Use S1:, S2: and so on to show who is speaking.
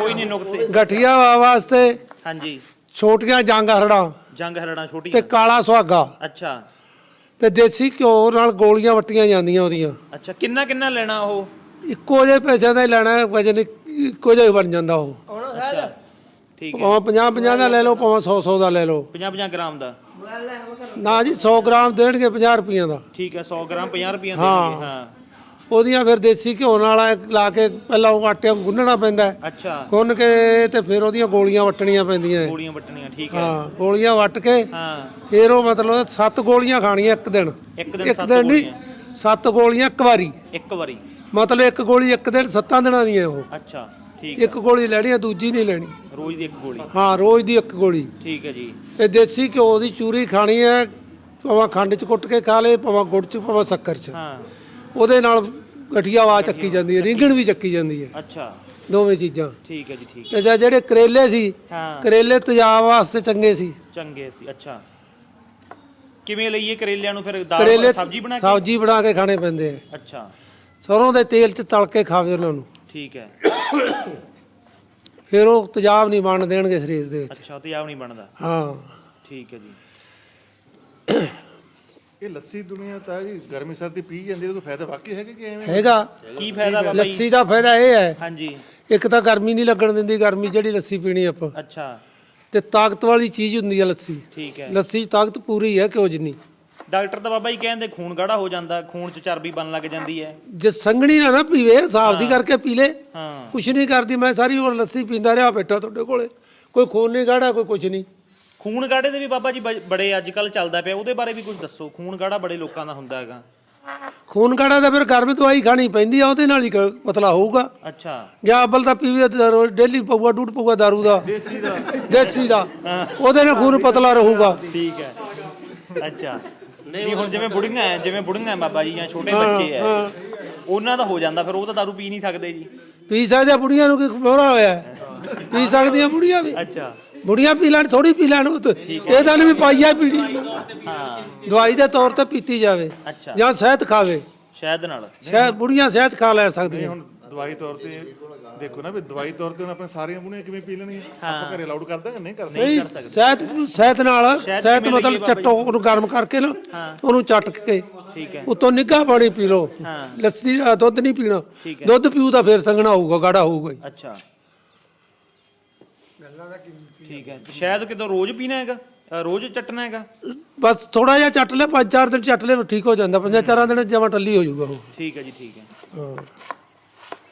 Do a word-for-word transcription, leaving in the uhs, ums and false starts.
S1: ਕੋਈ ਨਹੀਂ ਨੁਕਤੇ
S2: ਗਠੀਆ ਵਾਸਤੇ
S1: ਹਾਂਜੀ
S2: ਛੋਟੀਆਂ ਜੰਗ ਹਰੜਾਂ
S1: ਜੰਗ ਹਰੜਾਂ
S2: ਤੇ
S1: ਛੋਟੀਆਂ
S2: ਕਾਲਾ ਸੁਹਾਗਾ
S1: ਅੱਛਾ
S2: ਤੇ ਦੇਸੀ ਘਿਓ ਨਾਲ ਗੋਲੀਆਂ ਵੱਟੀਆਂ ਜਾਂਦੀਆਂ ਉਹਦੀਆਂ।
S1: ਅੱਛਾ ਕਿੰਨਾ ਕਿੰਨਾ ਲੈਣਾ ਉਹ
S2: ਇੱਕੋ ਜਿਹੇ ਪੈਸਿਆਂ ਦਾ ਹੀ ਲੈਣਾ, ਵਜਨ ਇੱਕੋ ਜਿਹਾ ਹੀ ਬਣ ਜਾਂਦਾ ਉਹ।
S1: ਅੱਛਾ ਠੀਕ ਹੈ
S2: ਭਾਵੇਂ ਪੰਜਾਹ ਪੰਜਾਹ ਦਾ ਲੈ ਲਓ, ਭਾਵੇਂ ਸੌ ਸੌ ਦਾ ਲੈ ਲਓ।
S1: ਪੰਜਾਹ ਪੰਜਾਹ ਗ੍ਰਾਮ ਦਾ
S2: ਨਾ ਜੀ ਸੌ ਗ੍ਰਾਮ ਦੇਣਗੇ ਪੰਜਾਹ ਰੁਪਈਆਂ ਦਾ।
S1: ਠੀਕ ਹੈ ਸੌ ਗ੍ਰਾਮ ਪੰਜਾਹ ਰੁਪਈਆ
S2: ਹਾਂ।
S1: ਦੇਣਗੇ ਹਾਂ
S2: ਉਹਦੀਆਂ ਫਿਰ ਦੇਸੀ ਘਿਓ ਨਾਲ ਲਾ ਕੇ ਪਹਿਲਾਂ ਉਹ ਆਟੇ ਨੂੰ ਗੁੰਨਣਾ ਪੈਂਦਾ ਹੈ।
S1: ਅੱਛਾ
S2: ਗੁੰਨ ਕੇ ਤੇ ਫਿਰ ਉਹਦੀਆਂ ਗੋਲੀਆਂ ਵੱਟਣੀਆਂ ਪੈਂਦੀਆਂ ਹੈ।
S1: ਗੋਲੀਆਂ ਵੱਟਣੀਆਂ ਠੀਕ ਹੈ
S2: ਹਾਂ ਗੋਲੀਆਂ ਵੱਟ ਕੇ
S1: ਹਾਂ
S2: ਫਿਰ ਉਹ ਮਤਲਬ ਸੱਤ ਗੋਲੀਆਂ ਖਾਣੀਆਂ ਇੱਕ ਦਿਨ।
S1: ਇੱਕ ਦਿਨ
S2: ਇੱਕ
S1: ਸੱਤ
S2: ਦਿਨ ਨਹੀਂ,
S1: ਗੋਲੀਆਂ
S2: ਸੱਤ ਗੋਲੀਆਂ ਇੱਕ ਵਾਰੀ।
S1: ਇੱਕ ਵਾਰੀ
S2: ਮਤਲਬ ਇੱਕ ਗੋਲੀ ਇੱਕ ਦਿਨ ਸੱਤਾਂ ਦਿਨਾਂ ਦੀ ਹੈ ਉਹ।
S1: ਅੱਛਾ ਠੀਕ
S2: ਇੱਕ ਗੋਲੀ ਲੈਣੀ ਹੈ, ਦੂਜੀ ਨਹੀਂ ਲੈਣੀ।
S1: ਰੋਜ਼ ਦੀ ਇੱਕ ਗੋਲੀ
S2: ਹਾਂ ਰੋਜ਼ ਦੀ ਇੱਕ ਗੋਲੀ।
S1: ਠੀਕ ਹੈ ਜੀ
S2: ਤੇ ਦੇਸੀ ਘਿਓ ਦੀ ਚੂਰੀ ਖਾਣੀ ਹੈ, ਭਾਵੇਂ ਖੰਡ 'ਚ ਕੁੱਟ ਕੇ ਖਾ ਲੇ, ਭਾਵੇਂ ਗੁੜ 'ਚ, ਭਾਵੇਂ ਸ਼ੱਕਰ 'ਚ।
S1: ਹਾਂ
S2: ਉਹਦੇ ਨਾਲ ਗਠੀਆ ਆਵਾਜ਼ ਚੱਕੀ ਜਾਂਦੀ ਹੈ, ਰਿੰਗਣ ਵੀ ਚੱਕੀ ਜਾਂਦੀ ਹੈ,
S1: ਅੱਛਾ
S2: ਦੋਵੇਂ ਚੀਜ਼ਾਂ।
S1: ਠੀਕ ਹੈ ਜੀ ਠੀਕ
S2: ਤੇ ਜਾਂ ਜਿਹੜੇ ਕਰੇਲੇ ਸੀ,
S1: ਹਾਂ
S2: ਕਰੇਲੇ ਤੇਜ਼ਾਬ ਵਾਸਤੇ ਚੰਗੇ ਸੀ।
S1: ਚੰਗੇ ਸੀ ਅੱਛਾ ਕਿਵੇਂ ਲਈਏ ਕਰੇਲਿਆਂ ਨੂੰ ਫਿਰ ਦਾਲ
S2: ਕਰੇਲੇ
S1: ਸਬਜ਼ੀ ਬਣਾ ਕੇ
S2: ਸਬਜ਼ੀ ਬਣਾ ਕੇ ਖਾਣੇ ਪੈਂਦੇ ਆ,
S1: ਅੱਛਾ
S2: ਸਰੋਂ ਦੇ ਤੇਲ 'ਚ ਤਲ ਕੇ ਖਾਵੇ ਉਹਨਾਂ ਨੂੰ,
S1: ਠੀਕ ਹੈ
S2: ਫਿਰ ਉਹ ਤੇਜ਼ਾਬ ਨਹੀਂ ਬਣ ਦੇਣਗੇ ਸਰੀਰ ਦੇ ਵਿੱਚ।
S1: ਅੱਛਾ ਤੇਜ਼ਾਬ ਨਹੀਂ ਬਣਦਾ
S2: ਹਾਂ
S1: ਠੀਕ ਹੈ ਜੀ
S3: ਇਹ ਲੱਸੀ ਦੁਨੀਆ ਤਾਂ ਜੀ ਗਰਮੀ ਸਰਦੀ ਪੀ ਜਾਂਦੀ, ਉਹਦਾ ਫਾਇਦਾ ਵਾਕਈ ਹੈਗਾ ਕਿ ਐਵੇਂ?
S2: ਹੈਗਾ।
S1: ਕੀ ਫਾਇਦਾ ਬਾਬਾ ਜੀ
S2: ਲੱਸੀ ਦਾ ਫਾਇਦਾ ਇਹ ਹੈ,
S1: ਹਾਂਜੀ
S2: ਇੱਕ ਤਾਂ ਗਰਮੀ ਨਹੀਂ ਲੱਗਣ ਦਿੰਦੀ, ਗਰਮੀ ਜਿਹੜੀ ਲੱਸੀ ਪੀਣੀ ਆਪਾਂ,
S1: ਅੱਛਾ
S2: ਤੇ ਤਾਕਤ ਵਾਲੀ ਚੀਜ਼ ਹੁੰਦੀ ਹੈ ਲੱਸੀ।
S1: ਠੀਕ ਹੈ
S2: ਲੱਸੀ 'ਚ ਤਾਕਤ ਪੂਰੀ ਹੈ ਘਿਓ ਜਿੰਨੀ।
S1: ਡਾਕਟਰ ਤਾਂ ਬਾਬਾ ਜੀ ਕਹਿੰਦੇ ਖੂਨ ਗਾੜਾ ਹੋ ਜਾਂਦਾ, ਖੂਨ 'ਚ ਚਰਬੀ ਬਣਨ ਲੱਗ ਜਾਂਦੀ ਹੈ।
S2: ਜੇ ਸੰਘਣੀ ਨਾ ਨਾ ਪੀਵੇ, ਹਿਸਾਬ ਦੀ ਕਰਕੇ ਪੀ ਲੇ,
S1: ਹਾਂ
S2: ਕੁਛ ਨਹੀਂ ਕਰਦੀ। ਮੈਂ ਸਾਰੀ ਉਮਰ ਲੱਸੀ ਪੀਂਦਾ ਰਿਹਾ ਬੈਠਾ ਤੁਹਾਡੇ ਕੋਲੇ, ਕੋਈ ਖੂਨ ਨਹੀਂ ਗਾੜਾ, ਕੋਈ ਕੁਛ ਨਹੀਂ।
S1: ਖੂਨ ਗਾੜੇ ਦੇ ਵੀ ਬਾਬਾ ਜੀ ਬ- ਬੜੇ ਅੱਜ ਕੱਲ ਚੱਲਦਾ ਪਿਆ, ਉਹਦੇ ਬਾਰੇ ਵੀ ਕੁਝ ਦੱਸੋ। ਖੂਨ ਗਾੜਾ ਬੜੇ ਲੋਕਾਂ ਦਾ ਹੁੰਦਾ ਹੈਗਾ।
S2: ਖੂਨ ਗਾੜਾ ਤਾਂ ਫਿਰ ਗਰਮ ਦਵਾਈ ਖਾਣੀ ਪੈਂਦੀ ਆ, ਉਹਦੇ ਨਾਲ ਹੀ ਕ- ਪਤਲਾ ਹੋਊਗਾ।
S1: ਅੱਛਾ
S2: ਜਾਂ ਅੱਬਲ ਤਾਂ ਪੀਵੇ ਤਾਂ ਰੋਜ਼ ਡੇਲੀ ਪਊਗਾ, ਡੂਢ ਪਊਗਾ ਦਾਰੂ ਦਾ, ਦੇਸੀ ਦਾ, ਉਹਦੇ ਨਾਲ ਖੂਨ ਪਤਲਾ ਰਹੂਗਾ।
S1: ਠੀਕ ਹੈ ਅੱਛਾ ਨਹੀਂ ਹੁਣ ਜਿਵੇਂ ਬੁੜੀਆਂ ਹੈ, ਜਿਵੇਂ ਬੁੜੀਆਂ ਹੈ ਬਾਬਾ ਜੀ ਜਾਂ ਛੋਟੇ ਬੱਚੇ ਹੈ, ਉਹਨਾਂ ਦਾ ਹੋ ਜਾਂਦਾ ਫਿਰ, ਉਹ ਤਾਂ ਦਾਰੂ ਪੀ ਨਹੀਂ ਸਕਦੇ ਜੀ।
S2: ਪੀ ਸਕਦੇ ਆ, ਬੁੜੀਆਂ ਨੂੰ ਕੀ ਮੋਹਰਾ ਹੋਇਆ ਹੈ? ਪੀ ਸਕਦੀਆਂ ਬੁੜੀਆਂ ਵੀ,
S1: ਅੱਛਾ
S2: ਬੁੜੀਆਂ ਪੀ ਲੈਣ, ਥੋੜੀ ਪੀ ਲੈਣ। ਉਹ ਤਾਂ ਇਹ ਤਾਂ ਨਹੀਂ ਵੀ ਪਾਈਆ ਪੀਣੀ,
S1: ਹਾਂ
S2: ਦਵਾਈ ਦੇ ਤੌਰ ਤੇ ਪੀਤੀ ਜਾਵੇ,
S1: ਅੱਛਾ
S2: ਜਾਂ ਸ਼ਹਿਦ ਖਾਵੇ।
S1: ਸ਼ਾਇਦ ਨਾਲ
S2: ਸ਼ਹਿਦ ਬੁੜੀਆਂ ਸ਼ਹਿਦ ਖਾ ਲੈ ਸਕਦੀਆਂ।
S3: ਹੁਣ ਦਵਾਈ ਤੌਰ ਤੇ ਦੇਖੋ ਨਾ ਵੀ ਦਵਾਈ ਤੌਰ ਤੇ ਹੁਣ ਆਪਣੇ ਸਾਰੀਆਂ ਬੁਣੀਆਂ ਕਿਵੇਂ ਪੀ ਲੈਣਗੀਆਂ? ਆਪਾਂ ਘਰੇ ਅਲਾਉਡ ਕਰਦਾ ਕਿ ਨਹੀਂ ਕਰ ਸਕਦੇ?
S2: ਨਹੀਂ ਸ਼ਹਿਦ ਸ਼ਹਿਦ ਨਾਲ, ਸ਼ਹਿਦ
S1: ਕਿਵੇਂ
S2: ਮਤਲਬ
S1: ਲੱਗੀ
S2: ਚੱਟੋ, ਉਹਨੂੰ ਗਰਮ ਕਰਕੇ ਨਾ, ਉਹਨੂੰ ਚੱਟ ਕੇ
S1: ਠੀਕ ਹੈ
S2: ਉਤੋਂ ਨਿੱਘਾ ਪਾਣੀ ਪੀ ਲਓ।
S1: ਹਾਂ।
S2: ਲੱਸੀ ਦਾ ਦੁੱਧ ਨਹੀਂ ਪੀਣਾ,
S1: ਠੀਕ ਹੈ।
S2: ਦੁੱਧ ਪੀਊ ਤਾਂ ਫਿਰ ਸੰਘਣਾ ਹੋਊਗਾ, ਗਾੜਾ ਹੋਊਗਾ ਹੀ।
S1: ਅੱਛਾ ਠੀਕ ਹੈ ਸ਼ਾਇਦ ਕਿਦੋਂ ਰੋਜ਼ ਪੀਣਾ ਹੈਗਾ, ਅ, ਰੋਜ਼ ਚੱਟਣਾ ਹੈਗਾ?
S2: ਬਸ ਥੋੜਾ ਜਿਹਾ ਚੱਟ ਲੈ, ਪੰਜ ਚਾਰ ਦਿਨ ਚੱਟ ਲੈ, ਠੀਕ ਹੋ ਜਾਂਦਾ। ਪੰਜਾਂ ਚਾਰਾਂ ਦਿਨ ਜਮਾਂ ਟੱਲੀ ਹੋ ਜਾਊਗਾ ਉਹ।
S1: ਠੀਕ ਹੈ ਜੀ ਠੀਕ ਹੈ
S2: ਹਾਂ।